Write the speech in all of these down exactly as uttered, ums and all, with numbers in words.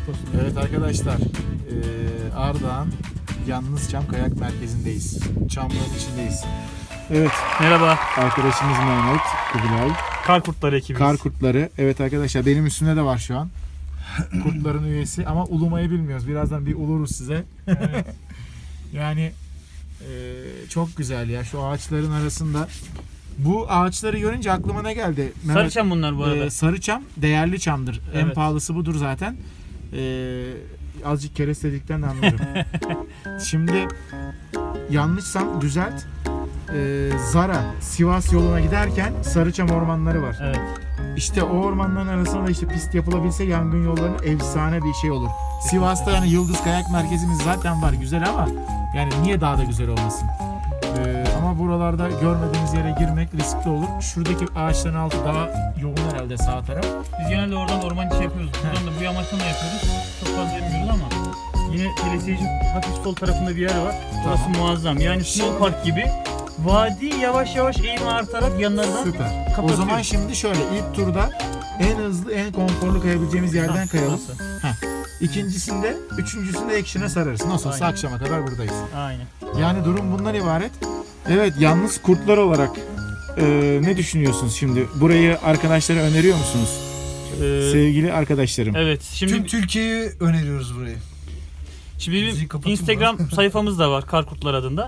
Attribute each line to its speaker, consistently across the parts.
Speaker 1: Aşk olsun.
Speaker 2: Evet arkadaşlar, ee, Ardahan Yalnız Çam Kayak Merkezi'ndeyiz. Çamların içindeyiz. Evet,
Speaker 1: Merhaba.
Speaker 2: arkadaşımız Mehmet, Kubilay.
Speaker 1: Kar Kurtları ekibiz.
Speaker 2: Kar kurtları. Evet arkadaşlar, benim üstümde de var şu an. Kurtların üyesi ama ulumayı bilmiyoruz. Birazdan bir uluruz size.
Speaker 1: Evet.
Speaker 2: Yani ee, çok güzel ya, şu ağaçların arasında. Bu ağaçları görünce aklıma ne geldi? Mehmet,
Speaker 1: Sarıçam bunlar bu arada.
Speaker 2: Ee, sarı çam değerli çamdır. En
Speaker 1: Evet.
Speaker 2: pahalısı budur zaten. Ee, azıcık kerestedikten de anladım. Şimdi yanlışsam düzelt. Ee, Zara, Sivas yoluna giderken Sarıçam ormanları var.
Speaker 1: Evet.
Speaker 2: İşte o ormanların arasında da işte pist yapılabilse yangın yollarının efsane bir şey olur. Sivas'ta yani Yıldız Kayak Merkezimiz zaten var, güzel, ama yani niye daha da güzel olmasın? Ee, ama buralarda görmediğimiz yere girmek riskli olur. Şuradaki ağaçların altı daha yoğun herhalde, sağ taraf.
Speaker 1: Biz genelde oradan orman içi yapıyoruz. Buradan da bu yamaçtan da yapıyoruz. Çok fazla yapmıyoruz ama yine telesiyeci hafif sol tarafında bir yer var. Orası
Speaker 2: Tamam.
Speaker 1: muazzam. Yani snow park gibi. Vadi yavaş yavaş eğim artarak yanlardan
Speaker 2: Süper.
Speaker 1: kapatıyor.
Speaker 2: O zaman şimdi şöyle, ilk turda en hızlı, en konforlu kayabileceğimiz yerden
Speaker 1: Ha,
Speaker 2: kayalım.
Speaker 1: burası.
Speaker 2: İkincisinde, üçüncüsünde action'a sararız. Nasıl olsa
Speaker 1: Aynen.
Speaker 2: akşama kadar buradayız.
Speaker 1: Aynen.
Speaker 2: Yani durum bundan ibaret. Evet, yalnız kurtlar olarak e, ne düşünüyorsunuz şimdi? Burayı arkadaşlara öneriyor musunuz?
Speaker 1: Ee,
Speaker 2: Sevgili arkadaşlarım.
Speaker 1: evet. Şimdi
Speaker 3: Tüm Türkiye'yi öneriyoruz burayı.
Speaker 1: Şimdi
Speaker 3: Müziği
Speaker 1: bizim
Speaker 3: kapatayım
Speaker 1: Instagram sayfamız da var, Kar Kurtlar adında.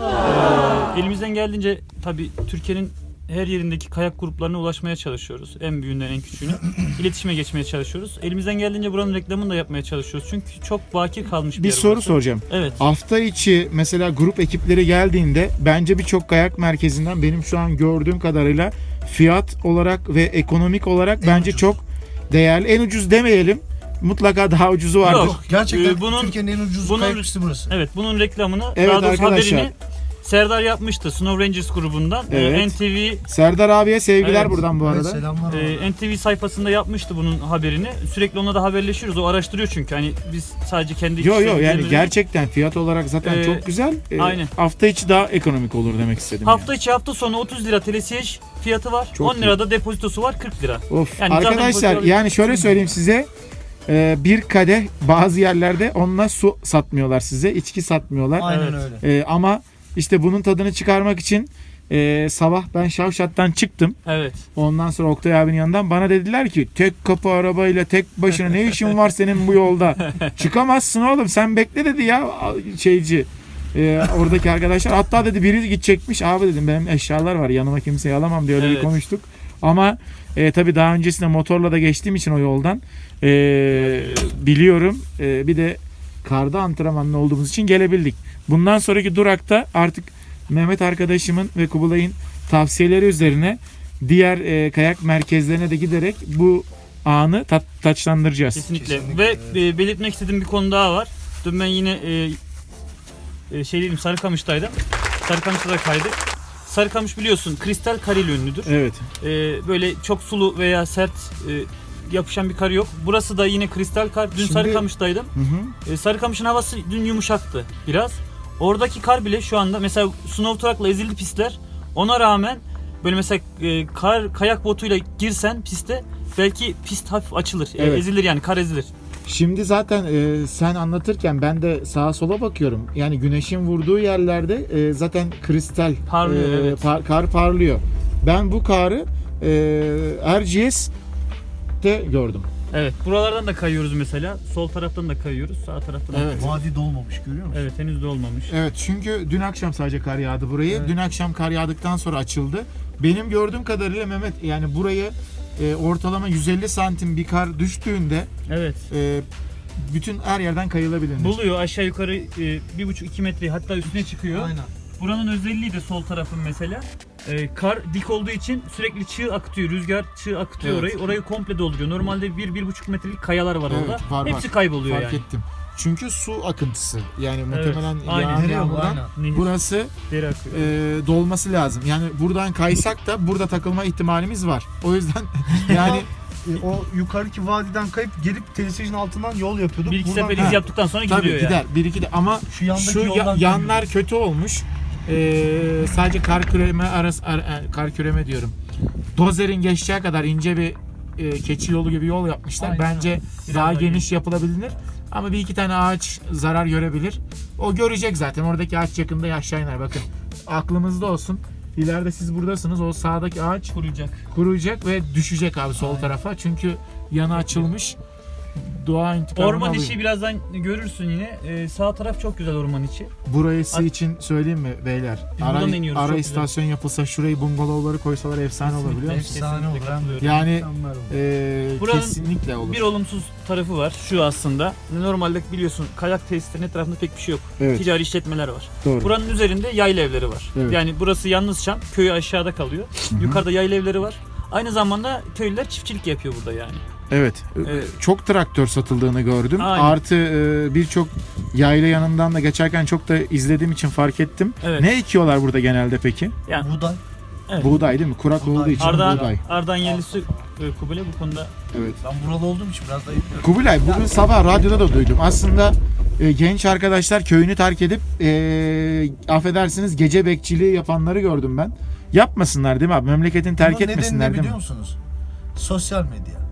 Speaker 1: Ee, elimizden geldiğince tabii Türkiye'nin her yerindeki kayak gruplarına ulaşmaya çalışıyoruz. En büyüğünden en küçüğüne. İletişime geçmeye çalışıyoruz. Elimizden geldiğince buranın reklamını da yapmaya çalışıyoruz. Çünkü çok bakir kalmış bir,
Speaker 2: Bir
Speaker 1: yer
Speaker 2: soru
Speaker 1: burası.
Speaker 2: soracağım.
Speaker 1: Evet.
Speaker 2: Hafta içi mesela grup ekipleri geldiğinde bence birçok kayak merkezinden benim şu an gördüğüm kadarıyla fiyat olarak ve ekonomik olarak
Speaker 3: En
Speaker 2: bence
Speaker 3: ucuz.
Speaker 2: çok değerli. En ucuz demeyelim. Mutlaka daha ucuzu vardır.
Speaker 1: Yok.
Speaker 3: Gerçekten
Speaker 1: Ee, bunun-
Speaker 3: Türkiye'nin en ucuz
Speaker 1: bunun-
Speaker 3: kayak pisti burası.
Speaker 1: Evet, bunun reklamını,
Speaker 2: Evet
Speaker 1: daha doğrusu
Speaker 2: arkadaşlar.
Speaker 1: haberini Serdar yapmıştı Snow Rangers grubundan. Ee,
Speaker 2: Evet.
Speaker 1: N T V
Speaker 2: Serdar abiye sevgiler
Speaker 1: Evet.
Speaker 2: buradan bu
Speaker 3: Evet,
Speaker 2: arada.
Speaker 3: selamlar.
Speaker 1: e, N T V sayfasında yapmıştı bunun haberini. Sürekli onunla da haberleşiyoruz. O araştırıyor çünkü. Hani biz sadece kendi
Speaker 2: Yo yo yani
Speaker 1: sevgilerimizi-
Speaker 2: gerçekten fiyat olarak zaten
Speaker 1: Ee,
Speaker 2: çok güzel. Ee,
Speaker 1: aynen.
Speaker 2: Hafta içi daha ekonomik olur demek istedim.
Speaker 1: Hafta içi hafta sonu otuz lira telesiyej fiyatı var.
Speaker 2: Çok
Speaker 1: on lira da depozitosu var, kırk lira.
Speaker 2: yani. Of.
Speaker 1: Yani zaten
Speaker 2: Arkadaşlar
Speaker 1: bu-
Speaker 2: yani şöyle söyleyeyim size. Ee, bir kadeh bazı yerlerde onunla su satmıyorlar size. İçki satmıyorlar.
Speaker 3: Aynen
Speaker 1: Evet.
Speaker 3: öyle.
Speaker 2: Ee, ama işte bunun tadını çıkarmak için e, sabah ben Şavşat'tan çıktım.
Speaker 1: Evet.
Speaker 2: Ondan sonra Oktay abinin yanından bana dediler ki tek kapı arabayla tek başına ne işin var senin bu yolda? Çıkamazsın oğlum, sen bekle dedi ya şeyci. Ee, oradaki arkadaşlar, hatta dedi biri gidecekmiş, abi dedim benim eşyalar var yanıma kimseyi alamam diye öyle bir
Speaker 1: Evet.
Speaker 2: konuştuk. Ama e, tabii daha öncesinde motorla da geçtiğim için o yoldan e, biliyorum. E, bir de karda antrenmanlı olduğumuz için gelebildik. Bundan sonraki durakta artık Mehmet arkadaşımın ve Kubilay'ın tavsiyeleri üzerine diğer e, kayak merkezlerine de giderek bu anı tat, taçlandıracağız.
Speaker 1: Kesinlikle.
Speaker 3: Kesinlikle,
Speaker 1: Ve
Speaker 3: evet.
Speaker 1: e, belirtmek istediğim bir konu daha var. Dün ben yine e, e, şey diyeyim Sarıkamış'taydım. Sarıkamış'ta da kaydık. Sarıkamış biliyorsun kristal karıyla ünlüdür.
Speaker 2: Evet.
Speaker 1: E, böyle çok sulu veya sert e, yapışan bir kar yok. Burası da yine kristal kar. Dün
Speaker 2: Şimdi-
Speaker 1: Sarıkamış'taydım.
Speaker 2: Hı hı.
Speaker 1: E, Sarıkamış'ın havası dün yumuşaktı biraz. Oradaki kar bile şu anda mesela snow truck'la ezildi pistler. Ona rağmen böyle mesela e, kar kayak botuyla girsen piste belki pist hafif açılır. E,
Speaker 2: Evet.
Speaker 1: ezilir yani kar ezilir.
Speaker 2: Şimdi zaten e, sen anlatırken ben de sağa sola bakıyorum. Yani güneşin vurduğu yerlerde e, zaten kristal
Speaker 1: Parlıyor,
Speaker 2: e,
Speaker 1: evet.
Speaker 2: par- kar parlıyor. Ben bu karı e, R G S'te gördüm.
Speaker 1: Evet. Buralardan da kayıyoruz mesela. Sol taraftan da kayıyoruz. Sağ taraftan da
Speaker 2: Evet.
Speaker 1: kayıyoruz.
Speaker 3: Vadi dolmamış, görüyor musun?
Speaker 1: Evet, henüz de olmamış.
Speaker 2: Evet, çünkü dün akşam sadece kar yağdı burayı.
Speaker 3: Evet.
Speaker 2: Dün akşam kar yağdıktan sonra açıldı. Benim gördüğüm kadarıyla Mehmet, yani burayı e, ortalama yüz elli santim bir kar düştüğünde
Speaker 1: Evet.
Speaker 2: e, bütün her yerden kayılabilir.
Speaker 1: Buluyor aşağı yukarı e, bir buçuk iki metre hatta üstüne çıkıyor.
Speaker 3: Aynen.
Speaker 1: Buranın özelliği de sol tarafın mesela. E, kar dik olduğu için sürekli çığ akıtıyor. Rüzgar çığ akıtıyor
Speaker 2: Evet.
Speaker 1: orayı. Orayı komple dolduruyor. Normalde bir bir buçuk metrelik kayalar var
Speaker 2: Evet,
Speaker 1: orada.
Speaker 2: var, var.
Speaker 1: Hepsi kayboluyor
Speaker 2: Fark
Speaker 1: yani.
Speaker 2: ettim. Çünkü su akıntısı. Yani muhtemelen
Speaker 1: aynen.
Speaker 2: yağan
Speaker 3: Nereye bu?
Speaker 2: yağmurdan
Speaker 3: Aynen.
Speaker 1: Nehir,
Speaker 2: burası
Speaker 1: deri akıyor.
Speaker 2: e, dolması lazım. Yani buradan kaysak da burada takılma ihtimalimiz var. O yüzden yani
Speaker 3: E, o yukarıki vadiden kayıp gelip telesiyejin altından yol yapıyorduk.
Speaker 1: bir iki
Speaker 3: Buradan-
Speaker 1: sefer
Speaker 2: Ha.
Speaker 1: iz yaptıktan sonra
Speaker 2: tabii
Speaker 1: gidiyor
Speaker 2: gider.
Speaker 1: yani.
Speaker 2: Bir iki de ama
Speaker 3: Şu yandaki
Speaker 2: şu ya-
Speaker 3: yoldan
Speaker 2: yanlar
Speaker 3: dönüyoruz.
Speaker 2: kötü olmuş. E, sadece kar küreme arası ar- ar- kar küreme diyorum. Dozerin geçeceği kadar ince bir e, keçi yolu gibi yol yapmışlar.
Speaker 3: Aynen.
Speaker 2: Bence
Speaker 3: Biraz
Speaker 2: daha
Speaker 3: daha
Speaker 2: geniş yapılabilir. Ama bir iki tane ağaç zarar görebilir. O görecek zaten. Oradaki ağaç yakında aşağı iner. Bakın aklımızda olsun. İleride siz buradasınız. O sağdaki ağaç
Speaker 1: Kuruyacak.
Speaker 2: kuruyacak ve düşecek abi sol
Speaker 3: Aynen.
Speaker 2: tarafa. Çünkü yanı açılmış. Doğa intikamını
Speaker 1: Orman
Speaker 2: alıyor.
Speaker 1: içi birazdan görürsün yine. Ee, sağ taraf çok güzel orman içi.
Speaker 2: Burası
Speaker 1: Ar-
Speaker 2: için söyleyeyim mi beyler?
Speaker 1: Biz
Speaker 2: Ara,
Speaker 1: buradan iniyoruz,
Speaker 2: ara
Speaker 1: çok güzel.
Speaker 2: istasyon yapılsa şurayı bungalovları koysalar efsane olur biliyor musun?
Speaker 3: Efsane olur. Hem de
Speaker 2: Yani
Speaker 3: mükemmel olur.
Speaker 2: e,
Speaker 1: Buranın
Speaker 2: kesinlikle olur.
Speaker 1: Bir olumsuz tarafı var şu aslında. Normalde biliyorsun kayak tesislerinin etrafında pek bir şey yok.
Speaker 2: Evet,
Speaker 1: Ticari işletmeler var.
Speaker 2: doğru.
Speaker 1: Buranın üzerinde yayla evleri var.
Speaker 2: Evet.
Speaker 1: Yani burası yalnız Çam, köyü aşağıda kalıyor.
Speaker 2: Hı-hı.
Speaker 1: Yukarıda yayla evleri var. Aynı zamanda köylüler çiftçilik yapıyor burada yani.
Speaker 2: Evet.
Speaker 1: Evet.
Speaker 2: Çok traktör satıldığını gördüm.
Speaker 1: Aynen.
Speaker 2: Artı e, birçok yayla yanından da geçerken çok da izlediğim için fark ettim.
Speaker 1: Evet.
Speaker 2: Ne ekiyorlar burada genelde peki?
Speaker 1: Yani
Speaker 3: Buğday.
Speaker 1: evet.
Speaker 2: Buğday değil mi? Kurak
Speaker 3: Buğday.
Speaker 2: olduğu için
Speaker 1: Ardahan,
Speaker 2: buğday.
Speaker 1: Ardahan yerlisi e, Kubilay bu konuda
Speaker 2: Evet.
Speaker 3: Ben buralı olduğum için biraz da yapıyorum.
Speaker 2: Kubilay bugün sabah radyoda da duydum. Aslında e, genç arkadaşlar köyünü terk edip e, affedersiniz gece bekçiliği yapanları gördüm ben. Yapmasınlar değil mi abi? Memleketini terk
Speaker 3: Bunun
Speaker 2: etmesinler
Speaker 3: nedeni ne
Speaker 2: değil
Speaker 3: biliyor
Speaker 2: mi?
Speaker 3: musunuz? Sosyal medya.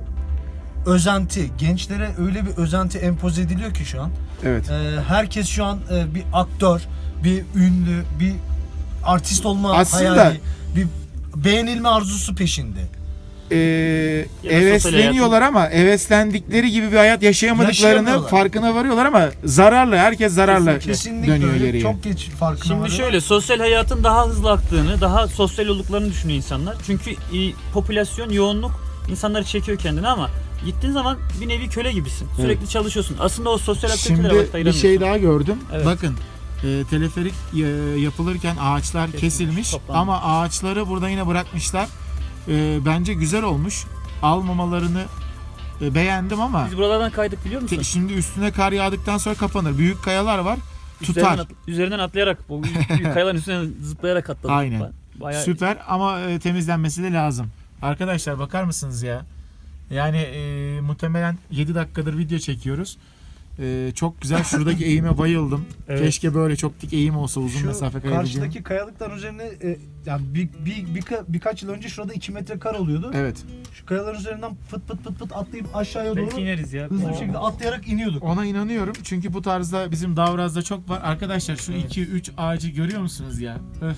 Speaker 3: Özenti. Gençlere öyle bir özenti empoze ediliyor ki şu an.
Speaker 2: Evet.
Speaker 3: Ee, herkes şu an e, bir aktör, bir ünlü, bir artist olma
Speaker 2: Aslında-
Speaker 3: hayali, bir beğenilme arzusu peşinde.
Speaker 2: E,
Speaker 1: Ya da
Speaker 2: hevesleniyorlar ama heveslendikleri gibi bir hayat yaşayamadıklarını
Speaker 3: Yaşayamıyorlar.
Speaker 2: farkına varıyorlar ama zararlı. Herkes zararla
Speaker 3: Kesinlikle
Speaker 2: dönüyor
Speaker 3: öyle.
Speaker 2: geriye.
Speaker 3: Çok geç farkına
Speaker 1: Şimdi
Speaker 3: varıyor.
Speaker 1: şöyle sosyal hayatın daha hızlı aktığını, daha sosyal olduklarını düşünüyor insanlar. Çünkü e, popülasyon, yoğunluk insanları çekiyor kendine ama gittiğin zaman bir nevi köle gibisin. Sürekli çalışıyorsun. Aslında o sosyal aktivitelere vakit
Speaker 2: Şimdi bir
Speaker 1: ayıramıyorsun.
Speaker 2: şey daha gördüm.
Speaker 1: Evet.
Speaker 2: Bakın e, teleferik e, yapılırken ağaçlar
Speaker 1: Kesilmiş,
Speaker 2: kesilmiş
Speaker 1: toplanmış.
Speaker 2: ama ağaçları burada yine bırakmışlar. E, bence güzel olmuş. Almamalarını e, beğendim ama
Speaker 1: Biz buralardan kaydık biliyor musun?
Speaker 2: te- şimdi üstüne kar yağdıktan sonra kapanır. Büyük kayalar var.
Speaker 1: Üzerinden,
Speaker 2: Tutar.
Speaker 1: at- üzerinden atlayarak, bu büyük, büyük kayaların üstüne zıplayarak atladık.
Speaker 2: Aynen.
Speaker 1: Bayağı
Speaker 2: Süper ama e, temizlenmesi de lazım. Arkadaşlar bakar mısınız ya? Yani e, muhtemelen yedi dakikadır video çekiyoruz. E, çok güzel. Şuradaki eğime bayıldım.
Speaker 1: Evet.
Speaker 2: Keşke böyle çok dik eğim olsa uzun
Speaker 3: Şu
Speaker 2: mesafe kayabileceğim.
Speaker 3: karşıdaki kayalıklar üzerine e, yani bir, bir, bir, birkaç yıl önce şurada iki metre kar oluyordu.
Speaker 2: Evet.
Speaker 3: Şu kayaların üzerinden pıt pıt pıt pıt atlayıp aşağıya
Speaker 1: belki
Speaker 3: doğru
Speaker 1: ineriz ya.
Speaker 3: hızlı bir
Speaker 1: Oo.
Speaker 3: şekilde atlayarak iniyorduk.
Speaker 2: Ona inanıyorum. Çünkü bu tarzda bizim Davraz'da çok var. Arkadaşlar şu
Speaker 1: Evet.
Speaker 2: iki üç ağacı görüyor musunuz ya? Öf.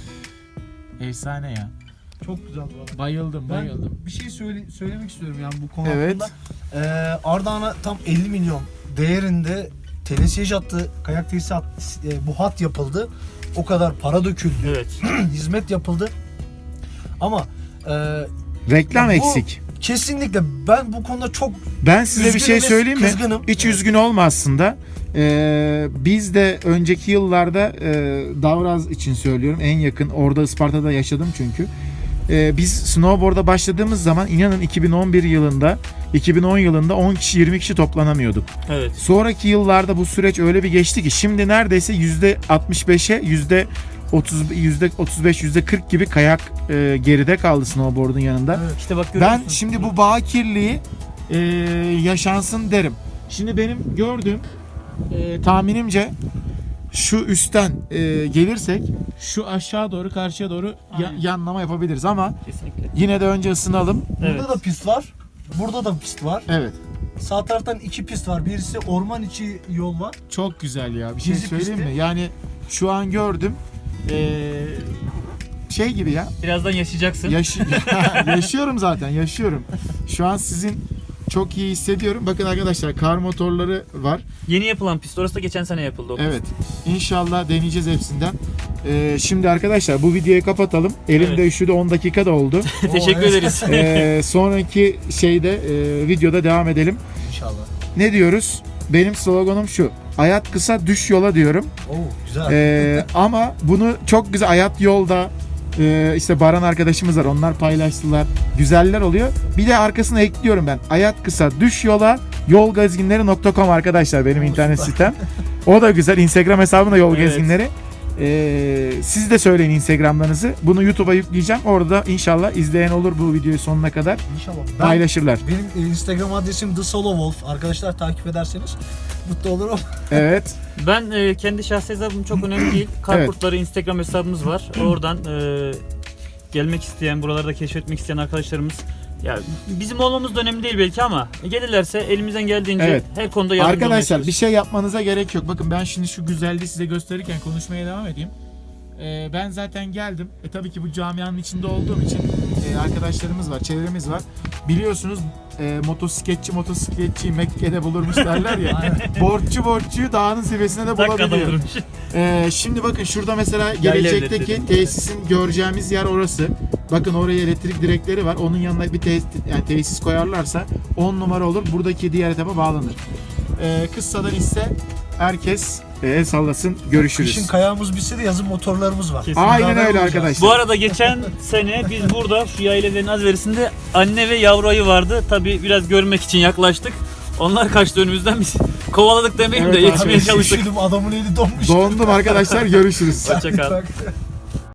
Speaker 2: Efsane ya.
Speaker 3: Çok güzel bu arada.
Speaker 2: Bayıldım,
Speaker 3: Ben
Speaker 2: bayıldım.
Speaker 3: bir şey söyle, söylemek istiyorum yani bu konu
Speaker 2: Evet.
Speaker 3: hakkında. Ee, Ardahan'a tam elli milyon değerinde telesiyej hattı, kayak tesisi hat, e, bu hat yapıldı. O kadar para döküldü,
Speaker 1: Evet.
Speaker 3: hizmet yapıldı. Ama e,
Speaker 2: Reklam
Speaker 3: Ya bu-
Speaker 2: eksik.
Speaker 3: kesinlikle ben bu konuda çok
Speaker 2: Ben size bir
Speaker 3: üzgünüm
Speaker 2: şey
Speaker 3: ve
Speaker 2: söyleyeyim mi?
Speaker 3: kızgınım.
Speaker 2: Hiç üzgün olma aslında. Ee, biz de önceki yıllarda e, Davraz için söylüyorum en yakın orada Isparta'da yaşadım çünkü. Ee, biz snowboard'a başladığımız zaman inanın iki bin on bir yılında iki bin on yılında on kişi yirmi kişi toplanamıyorduk.
Speaker 1: Evet.
Speaker 2: Sonraki yıllarda bu süreç öyle bir geçti ki şimdi neredeyse yüzde altmış beşe yüzde otuz yüzde otuz beş yüzde kırk gibi kayak e, geride kaldı snowboard'un yanında.
Speaker 3: Evet.
Speaker 1: İşte bak görüyor
Speaker 2: Ben
Speaker 1: musun?
Speaker 2: şimdi bu bakirliği e, yaşansın derim. Şimdi benim gördüğüm e, tahminimce şu üstten e, gelirsek şu aşağı doğru karşıya doğru ya-
Speaker 1: Aynen.
Speaker 2: yanlama yapabiliriz ama
Speaker 1: Kesinlikle.
Speaker 2: yine de önce ısınalım.
Speaker 3: Burada
Speaker 1: Evet.
Speaker 3: da pist var. Burada da pist var.
Speaker 2: Evet.
Speaker 3: Sağ taraftan iki pist var. Birisi orman içi yol var.
Speaker 2: Çok güzel ya. Bir şey
Speaker 3: Gezi
Speaker 2: söyleyeyim
Speaker 3: pisti.
Speaker 2: mi? Yani şu an gördüm. E, şey gibi ya.
Speaker 1: Birazdan yaşayacaksın.
Speaker 2: Yaşı yaşıyorum zaten. Yaşıyorum. Şu an sizin çok iyi hissediyorum. Bakın arkadaşlar kar motorları var.
Speaker 1: Yeni yapılan pist. Orası da geçen sene yapıldı. O pist.
Speaker 2: Evet. İnşallah deneyeceğiz hepsinden. Ee, şimdi arkadaşlar bu videoyu kapatalım. Elimde
Speaker 1: Evet.
Speaker 2: üşüdü on dakika da oldu.
Speaker 1: Teşekkür
Speaker 3: Oo, evet.
Speaker 1: ederiz.
Speaker 2: Ee, sonraki şeyde e, videoda devam edelim.
Speaker 3: İnşallah.
Speaker 2: Ne diyoruz? Benim sloganım şu. Hayat kısa düş yola diyorum.
Speaker 3: Oo güzel.
Speaker 2: Ee, ama bunu çok güzel hayat yolda e, işte Baran arkadaşımız var. Onlar paylaştılar. Güzeller oluyor. Bir de arkasına ekliyorum ben. Hayat kısa düş yola yolgezginleri nokta com arkadaşlar benim
Speaker 3: Oo,
Speaker 2: internet
Speaker 3: süper.
Speaker 2: sitem. O da güzel. Instagram hesabım da yol
Speaker 1: Evet.
Speaker 2: gezginleri. Ee, siz de söyleyin Instagram'larınızı. Bunu YouTube'a yükleyeceğim. Orada inşallah izleyen olur bu videoyu sonuna kadar.
Speaker 3: İnşallah. Ben,
Speaker 2: Paylaşırlar.
Speaker 3: benim e, Instagram adresim The Solo Wolf. Arkadaşlar takip ederseniz mutlu olurum.
Speaker 2: Evet.
Speaker 1: Ben e, kendi şahsi hesabım çok önemli değil. Kar
Speaker 2: Evet.
Speaker 1: Kurtları Instagram hesabımız var. Oradan e, gelmek isteyen, buraları da keşfetmek isteyen arkadaşlarımız Ya bizim olmamız da önemli değil belki ama gelirlerse elimizden geldiğince
Speaker 2: Evet.
Speaker 1: her konuda yardımcı olmaya
Speaker 2: Arkadaşlar bir
Speaker 1: çalışırız.
Speaker 2: şey yapmanıza gerek yok. Bakın ben şimdi şu güzelliği size gösterirken konuşmaya devam edeyim. Ee, ben zaten geldim. E tabii ki bu camianın içinde olduğum için e, arkadaşlarımız var, çevremiz var. Biliyorsunuz e, motosikletçi motosikletçiyi Mekke'de bulurmuş derler ya. Borççu borççuyu dağının zirvesine de
Speaker 1: Dakikada
Speaker 2: bulabiliyor.
Speaker 1: vurmuş.
Speaker 2: Ee, şimdi bakın şurada mesela
Speaker 1: Yayla
Speaker 2: gelecekteki
Speaker 1: evletleri.
Speaker 2: tesisin göreceğimiz yer orası. Bakın oraya elektrik direkleri var. Onun yanına bir tesis, yani tesis koyarlarsa on numara olur. Buradaki diğer etapa bağlanır. Ee, kıssadan ise herkes e, el sallasın. Görüşürüz.
Speaker 3: Kışın kayağımız bitse de yazın motorlarımız var.
Speaker 1: Kesin.
Speaker 2: Aynen
Speaker 3: Beraber
Speaker 2: öyle
Speaker 3: olacağız.
Speaker 2: arkadaşlar.
Speaker 1: Bu arada geçen sene biz burada şu yaylelerin azverisinde anne ve yavru ayı vardı. Tabii biraz görmek için yaklaştık. Onlar kaçtı önümüzden, biz kovaladık demeyeyim
Speaker 2: Evet
Speaker 1: de
Speaker 2: abi.
Speaker 1: yetişmeye çalıştık.
Speaker 3: Üşüdüm, adamın eli donmuş.
Speaker 2: Dondum arkadaşlar. Görüşürüz.
Speaker 1: Hoşça kal.
Speaker 3: Bak.